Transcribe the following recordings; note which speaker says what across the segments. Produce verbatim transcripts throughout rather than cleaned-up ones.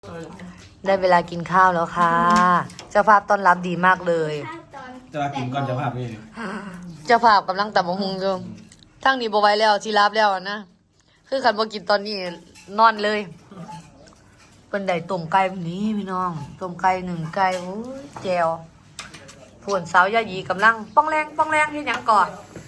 Speaker 1: ได้เวลากินข้าวแล้วค่ะเจ้าภาพต้อนรับดีมากเลย
Speaker 2: จะมากินก่อนเจ้าภาพนี่
Speaker 1: เจ้าภาพกำลังตับมะฮุงอยู่ทั้งนี้บ่ไหว้แล้วชีรับแล้วนะคือขันบ่กินตอนนี้นอนเลยเป็นได้ต้มไก่แบบนี้พี่น้องต้มไก่หนึ่งไก่โอ้ยแจวผวนสาวยายีกำลังป้องแรงป้องแรงที่ยังก่อน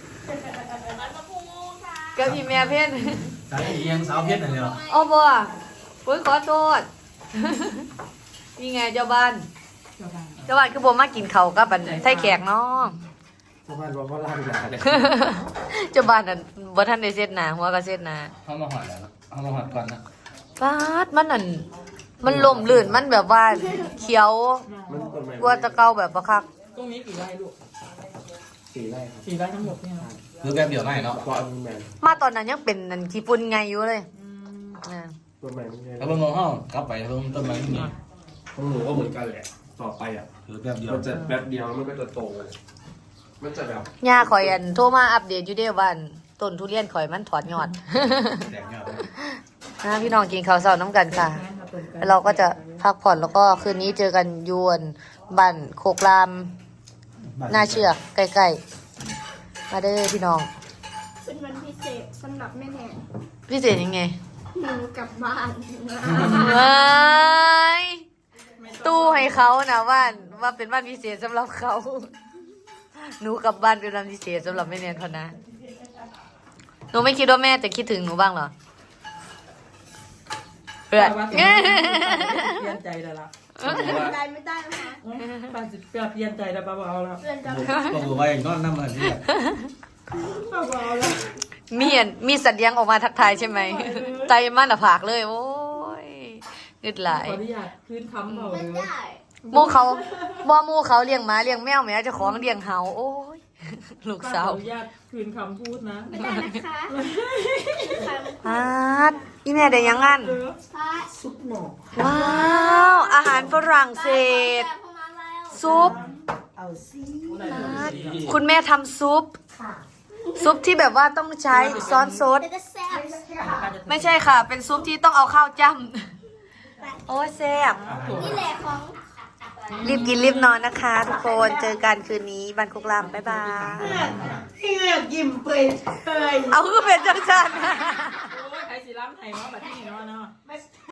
Speaker 1: เกับพี่แม่เพ่น
Speaker 2: สายเอียงสาวเพชรนั่นเลยเหรอ
Speaker 1: อ้อบ่โอ้ยขอโทษ นี่ไงเจ้าบ้าน เจ้าบ้านคือบ่มากินข้าวกับอันไส้แขกเนาะ
Speaker 2: ชาวบ้านบอกว่าล่างยาเลย
Speaker 1: เจ้าบ้านนั่นบ่ทันได้เซ็ตหน้าหัวก็เซ็ตหน้า
Speaker 2: เขามาหอดแล้วเขามาหอดก่อนนะ
Speaker 1: ฟาดมันนั่นมันล่มลื่นมันแบบว่าเขียวกว่าแตะเก่าแบบบ่คัก
Speaker 3: ตรงนี้กี่ไร่ลูก
Speaker 2: สี่ไร่ครับ
Speaker 3: สี่ไร่ทั้งหมดเนี่ยนะ
Speaker 2: คือแบบเดียวไม่เนาะเพราะอันนี้แมน
Speaker 1: มาตอนนั้นยังเป็นนั่นขี้ฝุ่นไงอยู่เลยอ่า
Speaker 2: ต้นไม้ไม่ใช่แล้วเบิ่งมองห้องกลับไปเบิ่งต้นไม้ที่นี่ของหนูก็เหมือนกันแหละต่อไปอ่ะคือแบบเดียวมันจะแบบเดียวมันก็จะโตมันจะแบบ
Speaker 1: ย่าข่อยอันโทรมาอัปเดตอยู่เด้อว่าอันต้นทุเรียนข่อยมันถอดยอด
Speaker 2: แตกยอด
Speaker 1: นะพี่น้องกินข้าวเช้าน้ำกันค่ะ แล้วเราก็จะพักผ่อนแล้วก็คืนนี้เจอกันยวนบ้านโคกรามน่าเชื่อใกล้ๆมาเด้อพี่น้อง
Speaker 4: เป็นวันพิเศษสำหรับแม่แนน
Speaker 1: พี่เศษยังไง
Speaker 4: หนูกลับบ้าน
Speaker 1: ว้ายตู้ให้เขานะว่าว่าเป็นบ้านพิเศษสำหรับเขา หนูกลับบ้านเป็นวันพิเศษสำหรับแม่เนียนเขานะหนูไม่คิดว่าแม่จะคิดถึงหนูบ้างเหรอเพื่อน
Speaker 3: ว่าแต่ว่าเปลี่ยนใจแล้วล่ะ
Speaker 4: ได้ไม่ได้นะคะ
Speaker 3: ป้าจะเปลี่ยนใจแล้วป้าเอาแล้ว
Speaker 4: เพื่อนจะ
Speaker 2: ก็คือว่าอย่างนอนน้ำมันนี่
Speaker 3: ป้าเอาแล้ว
Speaker 1: มีอันมีสัตว์เลี้ยงออกมาทักทายใช่ไหมใจมันอะผากเลยโอ้ยนึดหลาย
Speaker 3: ขออนุญาตคืนคำเบา
Speaker 4: ไม่
Speaker 3: เลย
Speaker 4: ได้
Speaker 1: หมู่เขาบ่หมู่เขาเลี้ยงหมาเลี้ยงแมวแม่เจ้าของเลี้ยงเห่าโอ้ยลูก
Speaker 3: ป้า
Speaker 1: สา
Speaker 3: ขอ
Speaker 1: ว
Speaker 3: อนุญาตคืนคำพูดนะ
Speaker 4: ไม่ได้นะคะค่ะ
Speaker 1: อาดอีแม่ได้ยังงั้น
Speaker 4: พระ
Speaker 3: ซุปหมอก
Speaker 1: ว้าวอาหารฝรั่งเศส
Speaker 4: แต่พอมาแล้ว
Speaker 1: ซุป
Speaker 3: เอาซิ
Speaker 1: คุณแม่ทำซุป ซุปที่แบบว่าต้องใช้ซอสซด
Speaker 4: เดี๋ยวจะแซ่บ
Speaker 1: ไม่ใช่ค่ะ เป็นซุปที่ต้องเอาข้าวจ้ำโอ้ยแซ่บ
Speaker 4: นี่แหละของ
Speaker 1: รีบกินรีบนอนนะคะ ทุกคนเจอกันคืนนี้บันคุกลามบ๊ายบาย
Speaker 3: ที่อยากยิ้มเปยเปย
Speaker 1: เอาคือเป็นจังจัน
Speaker 3: โอ้ยใครสิล้ำไทยมาแบบนี้เนาะเนาะ